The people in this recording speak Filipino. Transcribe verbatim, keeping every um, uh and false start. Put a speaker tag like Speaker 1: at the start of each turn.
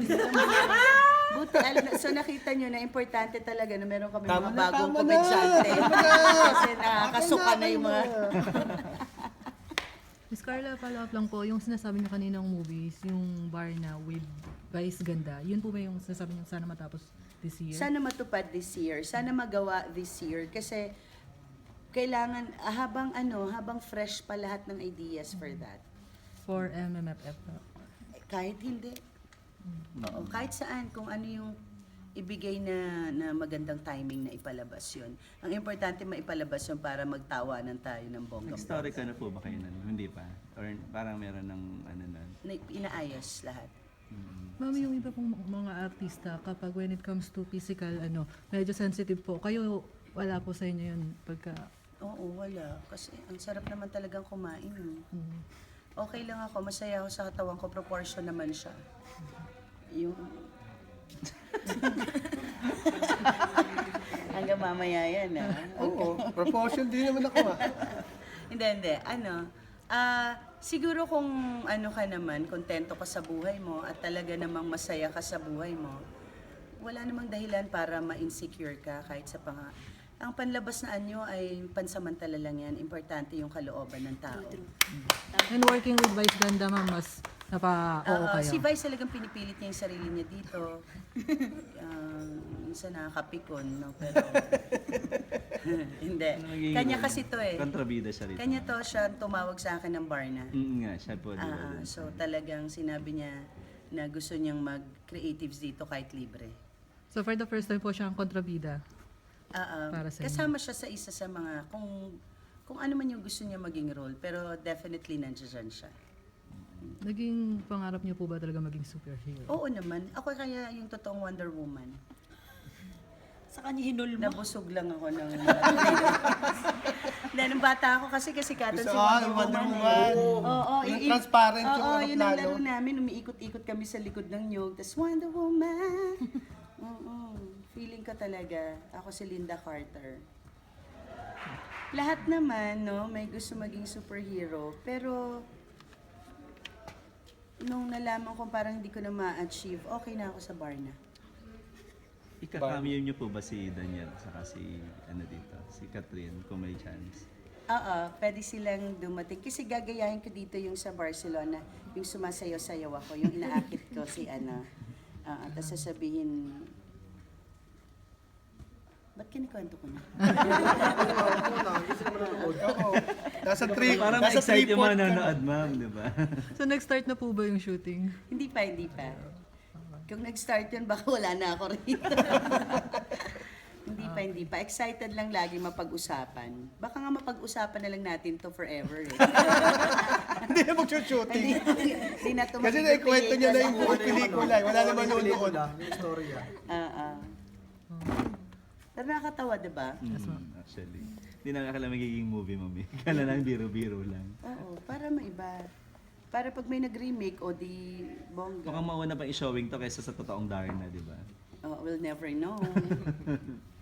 Speaker 1: Buti, alam na, so nakita nyo na importante talaga na meron kami
Speaker 2: Tama
Speaker 1: mga
Speaker 2: na,
Speaker 1: bagong
Speaker 2: tama na.
Speaker 1: komedyante.
Speaker 2: Tama na.
Speaker 1: Kasi nakakasuka na yung mga...
Speaker 3: Miss Carla, follow up lang po, yung sinasabi niyo kaninang movies, yung Barna with Vice Ganda, yun po ba yung sinasabi niyo sana matapos this year?
Speaker 1: Sana matupad this year, sana magawa this year kasi kailangan ah, habang ano, habang fresh pa lahat ng ideas for that.
Speaker 3: For M M F F po.
Speaker 1: Kahit hindi. Oo, kahit saan kung ano yung ibigay na na magandang timing na ipalabas yun. Ang importante maipalabas yun para magtawanan tayo ng bonggang.
Speaker 4: Nag-story ka na po ba kayo nun? Hindi pa? Or parang meron ng ano nun?
Speaker 1: Na, inaayos lahat.
Speaker 3: Ma'am, yung iba pong mga artista, kapag when it comes to physical, ano, medyo sensitive po. Kayo, wala po sa inyo yun pagka...
Speaker 1: Oo, wala. Kasi ang sarap naman talagang kumain. Eh.
Speaker 3: Mm.
Speaker 1: Okay lang ako, masaya ako sa katawan ko, proportion naman siya. Yung... Hanggang mamaya yan, ah.
Speaker 2: Oo, proportion din naman ako ah.
Speaker 1: Hindi, hindi. Ano, ah, siguro kung ano ka naman, kontento ka sa buhay mo at talaga namang masaya ka sa buhay mo, wala namang dahilan para ma-insecure ka kahit sa pang... Ang panlabas na anyo ay pansamantala lang yan. Importante yung kalooban ng tao.
Speaker 3: And working with Vice Ganda, ma'am, mas napa-oo
Speaker 1: Oo,
Speaker 3: kayo.
Speaker 1: si Vice talagang pinipilit niya yung sarili niya dito. uh, minsan nakakapikon, no? Pero... Hindi.
Speaker 4: Ano magiging
Speaker 1: Kanya
Speaker 4: role?
Speaker 1: kasi to eh.
Speaker 4: Kontrabida siya rito.
Speaker 1: Kanya to siya tumawag sa akin ng Barna.
Speaker 4: Mm, nga, siya po. di ba?
Speaker 1: Ah, so talagang sinabi niya na gusto niyang mag-creatives dito kahit libre.
Speaker 3: So for the first time po siya ang kontrabida.
Speaker 1: Ah, ah,
Speaker 3: Para sa inyo.
Speaker 1: kasama siya sa isa sa mga kung kung ano man yung gusto niya maging role, pero definitely nandiyan siya.
Speaker 3: Naging pangarap niyo po ba talaga maging superhero?
Speaker 1: Oo naman. Ako kaya yung totoong Wonder Woman.
Speaker 5: Sa kanya hinulmo.
Speaker 1: Nabusog lang ako ng... Hindi, nung bata ako kasi kasi katon si
Speaker 2: Gusto ko,
Speaker 1: Wonder
Speaker 2: yung Wonder
Speaker 1: Woman.
Speaker 2: Woman.
Speaker 1: eh. Oo, oo,
Speaker 2: Yung
Speaker 1: yung-
Speaker 2: transparent yung
Speaker 1: Oo,
Speaker 2: ano
Speaker 1: yun ang
Speaker 2: plano.
Speaker 1: laro namin. Umiikot-ikot kami sa likod ng nyug. Tapos Wonder Woman. Oo, feeling ko talaga. Ako si Linda Carter. Lahat naman, no, may gusto maging superhero. Pero, nung nalaman ko parang hindi ko na ma-achieve, okay na ako sa Barna.
Speaker 4: Ika-cameo niyo po ba si Daniel saka si ano dito, si Catherine kung may chance?
Speaker 1: Oo, pwede silang dumating. Kasi gagayahin ko dito yung sa Barcelona, yung sumasayaw-sayaw ako, yung inaakit ko si ano. Oo, tapos sasabihin, ba't kinikwento ko na?
Speaker 2: Oo. Nasa three,
Speaker 4: Parang
Speaker 2: nasa
Speaker 4: excited yung
Speaker 2: three-fourth
Speaker 4: mga
Speaker 2: ka na.
Speaker 4: nanonood, ma'am, di ba?
Speaker 3: So nag-start na po ba yung shooting?
Speaker 1: Hindi pa, hindi pa. Kung nag-start yun, baka wala na ako rito. Hindi pa, hindi pa. Excited lang lagi mapag-usapan. Baka nga mapag-usapan na lang natin to forever eh.
Speaker 2: Hindi na mag-shooting.
Speaker 1: Hindi na to
Speaker 2: Kasi
Speaker 1: magiging
Speaker 2: naikwento niya na yung buong
Speaker 1: pelikula.
Speaker 2: pelikula. eh. Wala naman noon.
Speaker 6: Yung istorya.
Speaker 1: Ah, ah. Pero nakakatawa, di ba?
Speaker 4: Mm, actually. Hindi na akala magiging movie, mami. Kala lang biro-biro lang.
Speaker 1: Oo, para maiba. Para pag may nag-remake o di bongga.
Speaker 4: Mukhang mauna pa i-showing to kaysa sa totoong Darna, di ba?
Speaker 1: Oh, we'll never know.